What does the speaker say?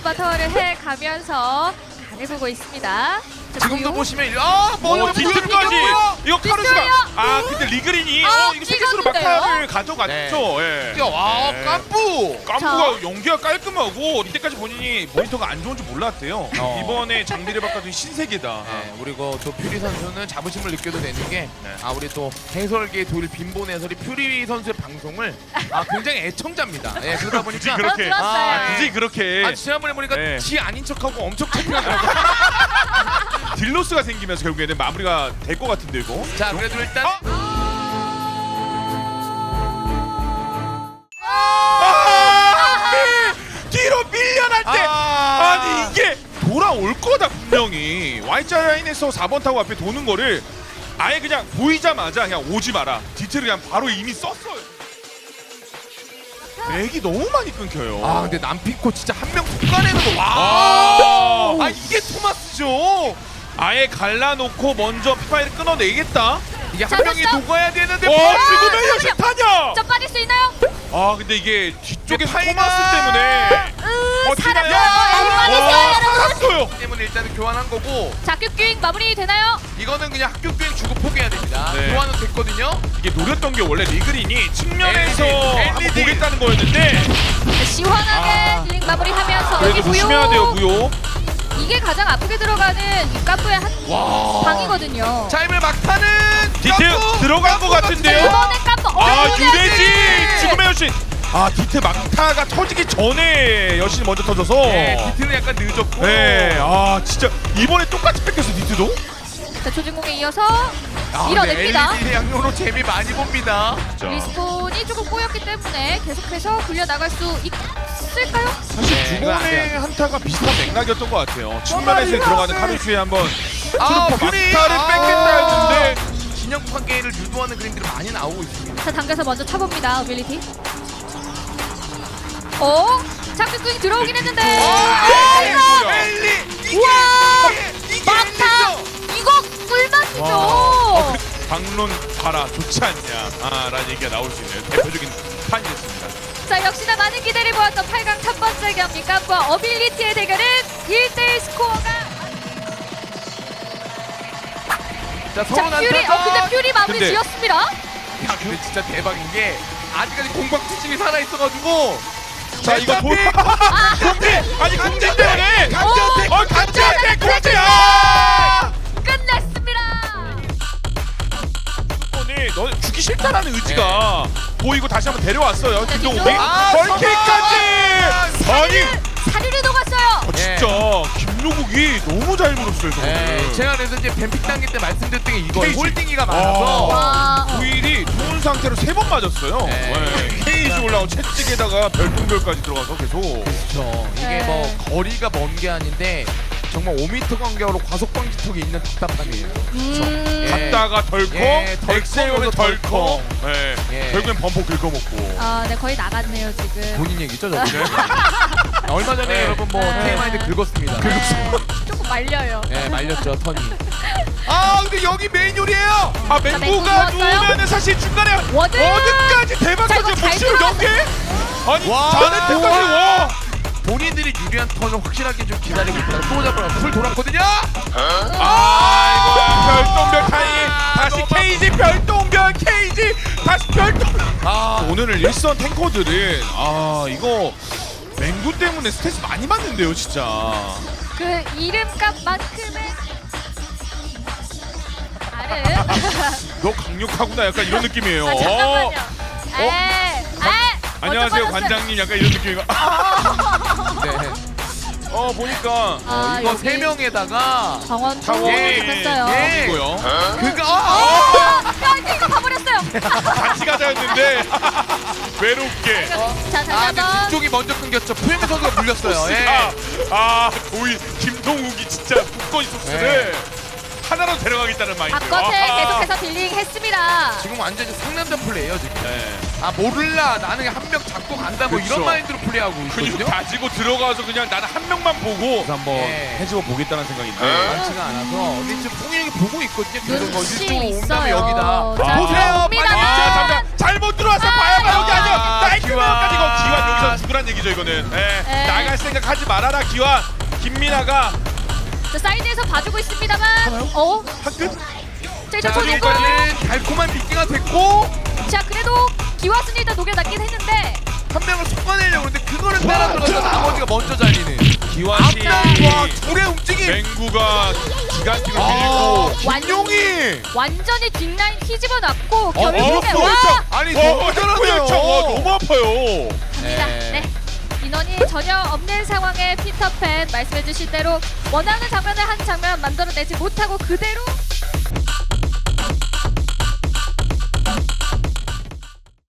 바텀을 해가면서 간을 보고 있습니다. 자, 지금도 무효. 보시면 먼저 뒤틀까지 이거 카루스가 뒷줄이요. 근데 리그린이 아, 이거 세계수로 찍었는데요? 막타를 가져갔죠. 예. 와 네. 깜부. 깜부가 연기가 깔끔하고 이때까지 본인이 모니터가 안 좋은 줄 몰랐대요. 어. 이번에 장비를 바꿔준 신세계다. 네, 그리고 또 퓨리 선수는 자부심을 느껴도 되는 게 네. 우리 또 해설계 도일 빈본 해설이 퓨리 선수의 방송을 굉장히 애청자입니다. 예, 그러다 보니까 그렇게 들었어요. 굳이 그렇게 지난번에 보니까 네. 지 아닌 척하고 엄청 창피하더라고요. 딜로스가 생기면서 결국에는 마무리가 될 것 같은데 이거. 자, 그래도 일단 뒤로 밀려날 때 아니 이게 돌아올 거다 분명히. Y자 라인에서 4번 타고 앞에 도는 거를 아예 그냥 보이자마자 그냥 오지 마라. 디테일을 그냥 바로 이미 썼어요. 맥이 너무 많이 끊겨요. 근데 남피코 진짜 한 명 툭가내는 거 와. 이게 토마스죠. 아예 갈라놓고 먼저 피파이를 끊어내겠다. 이게 자, 한 명이 됐어? 녹아야 되는데 죽으면 역시 타냐? 좀 빠질 수 있나요? 근데 이게 뒤쪽에 파이가- 토마스 때문에 살았어요. 와, 여러분. 살았어요. 때문에 일단은 교환한 거고 자, 큐큐잉 마무리 되나요? 이거는 그냥 학교 교행 주고 포기해야 됩니다. 네. 교환은 됐거든요. 이게 노렸던 게 원래 리그린이 측면에서 한번 LED. 보겠다는 거였는데 자, 시원하게 딜링 마무리하면서 그래도 여기 조심해야 돼요 무효. 이게 가장 아프게 들어가는 이 까프의 한 방이거든요. 자, 이번에 막타는 디트 들어간 것 같은데요? 이번에 까프 유래지 지금의 여신. 디트 막타가 터지기 전에 여신이 먼저 터져서. 네, 디트는 약간 늦었고. 네, 진짜 이번에 똑같이 뺏겼어 디트도. 자, 조진공에 이어서 밀어냅니다. LED 양용으로 재미 많이 봅니다. 리스폰이 조금 꼬였기 때문에 계속해서 굴려나갈 수 있을까요? 사실 네, 두 이거 안 번의 돼요. 한타가 비슷한 맥락이었던 것 같아요. 측면에서 들어가는 카루슈에 한번 트루퍼 퓨리! 막타를 뺏겠다 했는데 진영 관계를 유도하는 그림들이 많이 나오고 있습니다. 자, 당겨서 먼저 차봅니다. 어빌리티. 장기꾸잉 들어오긴 했는데. 엘리! 우와! 이게 막타! 엘리죠! 이거 꿀맛이죠. 방론 봐라 좋지 않냐 라는 얘기가 나올 수 있는 대표적인 판이었습니다. 자, 역시나 많은 기대를 모았던 8강 첫 번째 경기 깜과 어빌리티의 대결은 1대1 스코어가. 자, 서로 자, 퓨리. 근데 퓨리 마무리 근데- 지었습니다. 야, 근데 진짜 대박인 게 아직까지 공박투심이 살아있어가지고 자 이거 공대 아니 공대 때문에 오, 강제한테 공대야. 끝냈습니다. 오늘 너 죽기 싫다라는 의지가 보이고 다시 한번 데려왔어요. 자, 김동욱이 뒤쪽. 벌킬까지. 아니 사리를 녹았어요. 진짜 김동욱이 너무 잘 물었어요. 저거는. 제가 그래서 이제 뱀픽 단계 때 말씀드렸던 게 이거 케이지. 홀딩이가 많아서 와. 오일이 좋은 상태로 3번 맞았어요. 네. 케이지 올라온 채찍에다가 별똥별까지 들어가서 계속. 그렇죠. 이게 네. 뭐 거리가 먼 게 아닌데 정말 5m 간격으로 과속 방지턱이 있는 답답함이에요. 예. 갔다가 덜컹, 예, 덜컹, 엑셀오면 덜컹. 덜컹. 예. 예. 결국엔 범퍼 긁어먹고. 네, 거의 나갔네요 지금. 본인 얘기죠, 저거. 얼마 전에 네. 여러분 뭐 네. TMI인데 긁었습니다. 조금 말려요. 네, 말렸죠, 턴이. 근데 여기 메인 요리예요. 맹구 맹구가 누웠어요? 누우면은 사실 중간에 워드! 워드까지 대박 자, 이거 터지 잘 묵시로 들어갔어. 연계? 아니 와. 자네 때까지 와. 본인들이 유리한 턴을 확실하게 좀 기다리고 있다가 또 잡으러 풀 돌았거든요. 이거 별똥별 타임. 다시 너무 케이지 별똥별 케이지. 다시 별똥별. 오늘 일선 탱커들은 이거 맹구 때문에 스트레스 많이 받는데요, 진짜. 그 이름값만큼의 나름. 너 강력하구나 약간 이런 느낌이에요. 잠깐만요. 안녕하세요 먼저 빠졌어요. 관장님 약간 이런 느낌이고. 네. 보니까 이거 여기 세 명에다가 정원 타원이 했어요. 예. 이고요. 이거 봐버렸어요. 같이 가자였는데 외롭게. 자, 다시 근데 한번. 뒤쪽이 먼저 끊겼죠. 푸엠 선수가 물렸어요. 예. 도희 김동욱이 진짜 굳건히 소스를 하나로 데려가겠다는 마인드. 바깥에 계속해서 딜링 했습니다. 지금 완전히 상남자 플레이예요 지금. 네. 모를라 나는 한 명 잡고 간다 뭐 그쵸. 이런 마인드로 플레이하고 근육 있거든요. 가지고 들어가서 그냥 나는 한 명만 보고 한번 네. 해주고 보겠다는 생각인데. 많지가 않아서 근데 지금 풍일이 보고 있거든요. 계속 뭐 눈치 이쪽으로 온 다음에 있어요. 여기다 자, 보세요. 옵니다. 빨리 잠깐 잘못 들어왔어. 봐야 여기 아니야. 나이트 기완. 명까지 기완 여기서 죽으라 죽으란 얘기죠 이거는. 예. 네. 나갈 생각 하지 말아라 기완. 김민아가 자, 사이드에서 봐주고 있습니다만. 한끗. 자, 일단 자, 터지고. 여기까지 달콤한 미끼가 됐고 자, 그래도 기와순이 일단 녹여놨긴 했는데. 한 명을 속아내려고 그러는데 그거를 따라 들어가서 나머지가 먼저 잘리는 기완이 앞과 둘의 움직임. 맹구가 기간식을 아, 밀고. 김용희. 완전히 뒷라인 휘집어놨고 결국에 그렇죠. 와! 아니 너무 잘하네요. 너무 아파요. 갑니다. 네. 인원이 전혀 없는 상황에 피터팬 말씀해주신 대로 원하는 장면을 한 장면 만들어내지 못하고 그대로